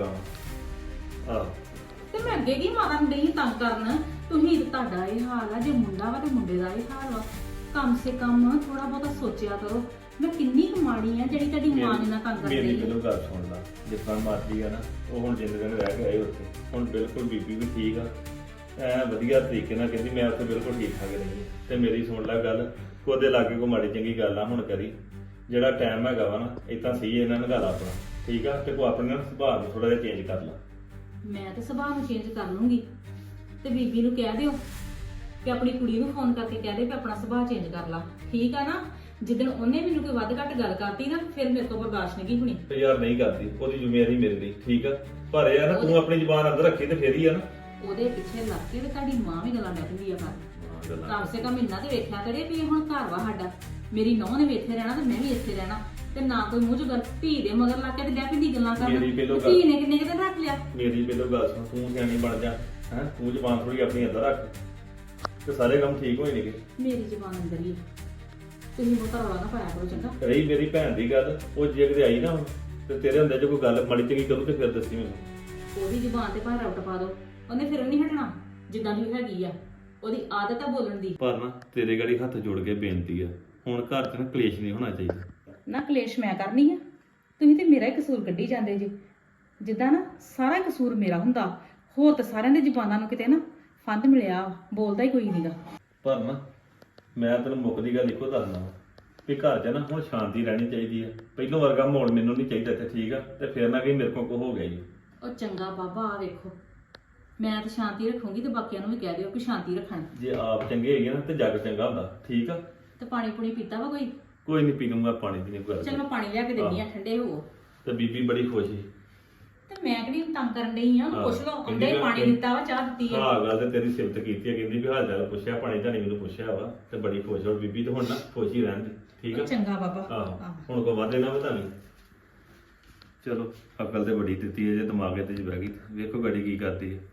S4: ਕੰਮ ਆਹ
S3: ਤੇ ਮੈਂ ਅੱਗੇ ਕੀ ਮਾਤਾ ਨੂੰ ਡਈ ਤੰਗ ਕਰਨ ਤੁਸੀਂ ਤੇ ਤੁਹਾਡਾ ਇਹ ਹਾਲ ਆ ਜੇ ਮੁੰਡਾ ਵਾ ਤੇ ਮੁੰਡੇ ਦਾ ਇਹ ਹਾਲ ਵਾ ਕਮ ਸੇ ਕਮ ਥੋੜਾ ਬਹੁਤਾ ਸੋਚਿਆ ਕਰੋ ਮੈਂ ਕਿੰਨੀ ਕਮਾਣੀ ਆ ਜਿਹੜੀ ਤੁਹਾਡੀ ਮਾਂ ਨੇ ਨਾ ਤੰਗ ਕਰ
S4: ਮੇਰੀ
S3: ਰਹੀ ਹੈ
S4: ਮੈਨੂੰ ਗੱਲ ਸੁਣ ਲਾ ਜਿੱਦਾਂ ਮਰਜ਼ੀ ਆ ਨਾ ਉਹ ਹੁਣ ਜਿੰਨੇ ਦਿਨ ਰਹਿ ਕੇ ਆਏ ਉੱਥੇ ਹੁਣ ਬਿਲਕੁਲ ਬੀਬੀ ਵੀ ਠੀਕ ਆ ਐ ਵਧੀਆ ਤਰੀਕੇ ਨਾਲ ਕਹਿੰਦੀ ਮੈਂ ਉੱਥੇ ਬਿਲਕੁਲ ਠੀਕ ਠਾਕ ਰਹੀ ਤੇ ਮੇਰੀ ਸੁਣ ਲੈ ਗੱਲ ਕੋਦੇ ਲਾਗੇ ਕੋ ਮਾੜੀ ਚੰਗੀ ਗੱਲ ਆ ਹੁਣ ਕਰੀ ਜਿਹੜਾ ਟਾਈਮ ਹੈਗਾ ਵਾ ਨਾ ਇਦਾਂ ਸਹੀ ਇਹਨਾਂ ਨੂੰ ਗੱਲ ਆਪਣਾ ਠੀਕ ਆ ਤੇ ਕੋ ਆਪਣੇ ਨਾ ਸੁਭਾਅ ਨੂੰ ਥੋੜਾ ਜਿਹਾ ਚੇਂਜ ਕਰ ਲਾ
S3: ਮੈਂ ਤੇ ਸੁਭਾਅ ਨੂੰ ਚੇਂਜ ਕਰ ਲੂੰਗੀ ਤੇ ਬੀਬੀ ਨੂੰ ਕਹਿ ਦਿਓ ਕਿ ਆਪਣੀ ਕੁੜੀ ਨੂੰ ਫੋਨ ਕਰਕੇ ਕਹਿ ਦੇ ਕਿ ਆਪਣਾ ਸੁਭਾਅ ਚੇਂਜ ਕਰ ਲਾ ਠੀਕ ਆ ਨਾ ਜਿੱਦਣ ਉਹਨੇ ਮੈਨੂੰ ਕੋਈ ਵੱਧ ਘੱਟ ਗੱਲ ਕਰਤੀ ਨਾ ਫਿਰ ਮੇਰੇ ਤੋਂ ਬਰਦਾਸ਼ਤ ਨਹੀਂ ਹੋਣੀ
S4: ਤੇ ਯਾਰ ਨਹੀਂ ਕਰਦੀ ਉਹਦੀ ਜ਼ਿੰਮੇਵਾਰੀ ਮੇਰੇ ਲਈ ਠੀਕ ਆ ਪਰ ਇਹ ਆ ਨਾ ਤੂੰ ਆਪਣੀ ਜ਼ੁਬਾਨ ਅੰਦਰ ਰੱਖੀ ਤੇ ਫੇਰ ਹੀ ਆ ਨਾ
S3: ਉਹਦੇ ਪਿੱਛੇ ਲੱਗ ਕੇ ਤੇ ਤੁਹਾਡੀ ਮਾਂ ਵੀ ਗੱਲਾਂ ਡੱਕਦੀ ਆ ਕਰ
S4: ਹਾਂ, ਗੱਲਾਂ
S3: ਕਮ ਸੇ ਕਮ ਇੰਨਾ ਤੇ ਵੇਖਿਆ ਕਰੇ ਵੀ ਇਹ ਹੁਣ ਘਰ ਵਾ ਸਾਡਾ ਮੇਰੀ ਨੌਂ ਨੇ ਵੀ ਇੱਥੇ ਰਹਿਣਾ ਤੇ ਮੈਂ ਵੀ ਇੱਥੇ ਰਹਿਣਾ ਤੇ ਨਾ ਕੋਈ ਮੂੰਹ ਚ ਗੱਲ ਧੀ ਦੇ ਮਗਰ ਲੱਗ ਕੇ ਤੇ ਡੈਪੀ ਦੀ ਗੱਲਾਂ ਕਰਨਾ
S4: ਮੇਰੀ ਪਹਿਲੋਂ
S3: ਤੇ ਧੀ ਨੇ ਕਿੰਨੇ ਕਿਤੇ ਰੱਖ ਲਿਆ
S4: ਮੇਰੀ ਪਹਿਲੋਂ ਗੱਲ ਸੁਣ ਤੂੰ ਸਿਆਣੀ ਬਣ ਜਾ ਹੈ ਤੂੰ ਜ਼ੁਬਾਨ ਥੋੜੀ ਆਪਣੀ ਅੰਦਰ ਰੱਖ ਤੇ ਸਾਰੇ ਕੰਮ ਠੀਕ ਹੋਏ ਨੇਗੇ
S3: ਮੇਰੀ ਜ਼ਬਾਨ ਅੰਦਰ ਹੀ ਆ। ਤੁਸੀਂ ਬਹੁਤਾ ਰੌਲਾ ਨਾ ਪਾਇਆ ਕਰੋ ਚੰਗਾ
S4: ਰਹੀ ਮੇਰੀ ਭੈਣ ਦੀ ਗੱਲ ਉਹ ਜੇ ਕਿਤੇ ਆਈ ਨਾ ਹੁਣ ਤੇ ਤੇਰੇ ਹੁੰਦੇ ਜੇ ਕੋਈ ਗੱਲ ਮਾੜੀ ਚੰਗੀ ਕਰੂ ਤੇ ਫਿਰ ਦੱਸੀ ਮੈਨੂੰ
S3: ਉਹਦੀ ਜ਼ਬਾਨ ਤੇ ਭਾਰਾ ਉੱਟ ਪਾ ਦੋ ਉਹਨੇ ਫਿਰ ਨਹੀਂ ਹਟਣਾ ਜਿੱਦਾਂ ਦੀ ਹੈਗੀ ਆ ਉਹਦੀ ਆਦਤ ਆ ਬੋਲਣ ਦੀ
S4: ਪਰ ਨਾ ਤੇਰੇ ਗਾੜੀ ਹੱਥ ਜੋੜ ਕੇ ਬੇਨਤੀ ਆ ਹੁਣ ਘਰ 'ਚ ਨਾ ਕਲੇਸ਼ ਨਹੀਂ ਹੋਣਾ ਚਾਹੀਦਾ
S3: ਨਾ ਕਲੇਸ਼ ਮੈਂ ਕਰਨੀ ਆ ਤੁਸੀਂ ਤੇ ਮੇਰਾ ਹੀ ਕਸੂਰ ਕੱਢੀ ਜਾਂਦੇ ਜੀ ਜਿੱਦਾਂ ਨਾ ਸਾਰਾ ਹੀ ਕਸੂਰ ਮੇਰਾ ਹੁੰਦਾ ਹੋਰ ਤਾਂ ਸਾਰਿਆਂ ਦੇ ਜ਼ਬਾਨਾਂ ਨੂੰ ਕਿਤੇ ਨਾ ਫੰਦ ਮਿਲਿਆ ਬੋਲਦਾ ਹੀ ਕੋਈ ਨਹੀਂਗਾ
S4: ਪਰ ਨਾ ਮੈਂ ਤੈਨੂੰ ਮੁੱਕਦੀ ਗੱਲ ਇੱਕੋ ਦੱਸਦਾ ਵਾਂ ਵੀ ਘਰ 'ਚ ਨਾ ਹੁਣ ਸ਼ਾਂਤੀ ਰਹਿਣੀ ਚਾਹੀਦੀ ਆ ਪਹਿਲੋਂ ਵਰਗਾ ਮਾਹੌਲ ਮੈਨੂੰ ਨਹੀਂ ਚਾਹੀਦਾ ਇੱਥੇ ਠੀਕ ਆ ਤੇ ਫਿਰ ਨਾ ਕਿ ਮੇਰੇ ਕੋਲ ਕੋ ਹੋ ਗਿਆ ਜੀ
S3: ਉਹ ਚੰਗਾ ਬਾਬਾ ਆ ਵੇਖੋ ਮੈਂ ਤਾਂ ਸ਼ਾਂਤੀ ਰੱਖੂੰਗੀ ਤੇ ਬਾਕੀਆਂ ਨੂੰ ਵੀ ਕਹਿ ਦਿਓ ਕਿ ਸ਼ਾਂਤੀ ਰੱਖਣ
S4: ਜੇ ਆਪ ਚੰਗੇ ਹੈਗੇ ਨਾ ਤੇ ਜੱਗ ਚੰਗਾ ਹੁੰਦਾ ਠੀਕ ਆ
S3: ਤੇ ਪਾਣੀ ਪੂਣੀ ਪੀਤਾ ਵਾ ਕੋਈ
S4: ਕੋਈ ਨਹੀਂ ਪੀ ਲੂੰਗਾ ਪਾਣੀ ਦੀ ਨਹੀਂ ਗੱਲ
S3: ਚਲ ਮੈਂ ਪਾਣੀ ਲਿਆ ਕੇ ਦਿੰਦੀ ਆ ਠੰਡੇ ਹੋ
S4: ਤੇ ਬੀਬੀ ਬੜੀ ਖੁਸ਼ ਸੀ।
S3: ਤੇ ਮੈਂ ਕਿਹੜੀ ਤੰਗ ਕਰਨ ਡਈ ਆ ਉਹਨੂੰ
S4: ਹਾਂ,
S3: ਪੁੱਛ ਲਓ
S4: ਕਹਿੰਦੀ
S3: ਅੰਡੇ
S4: ਮੈਂ-
S3: ਪਾਣੀ ਦਿੱਤਾ ਵਾ ਚਾਹ ਦਿੱਤੀ ਆ
S4: ਹਾਂ ਗੱਲ ਤੇ ਤੇਰੀ ਸਿਫਤ ਕੀਤੀ ਹੈ, ਕਹਿੰਦੀ ਵੀ ਹਾਲ ਚਾਲ ਪੁੱਛਿਆ, ਪਾਣੀ ਧਾਣੀ ਮੈਨੂੰ ਪੁੱਛਿਆ ਵਾ ਤੇ ਬੜੀ ਖੁਸ਼ ਹੋ ਬੀਬੀ। ਤੇ ਹੁਣ ਨਾ ਖੁਸ਼ ਹੀ ਰਹਿਣ ਦੀ, ਠੀਕ ਆ?
S3: ਚੰਗਾ ਬਾਬਾ
S4: ਆਹੋ
S3: ਆਹੋ।
S4: ਹੁਣ ਕੋ ਵਾਦੇ ਨਾ ਵਧਾਣੀ। ਚਲੋ ਅਕਲ ਤੇ ਬੜੀ ਦਿੱਤੀ ਹੈ, ਜੇ ਦਿਮਾਗ ਤੇ ਚ ਬਹਿ ਗਈ ਵੇਖੋ ਗੜੀ ਕੀ ਕਰਦੀ ਹੈ।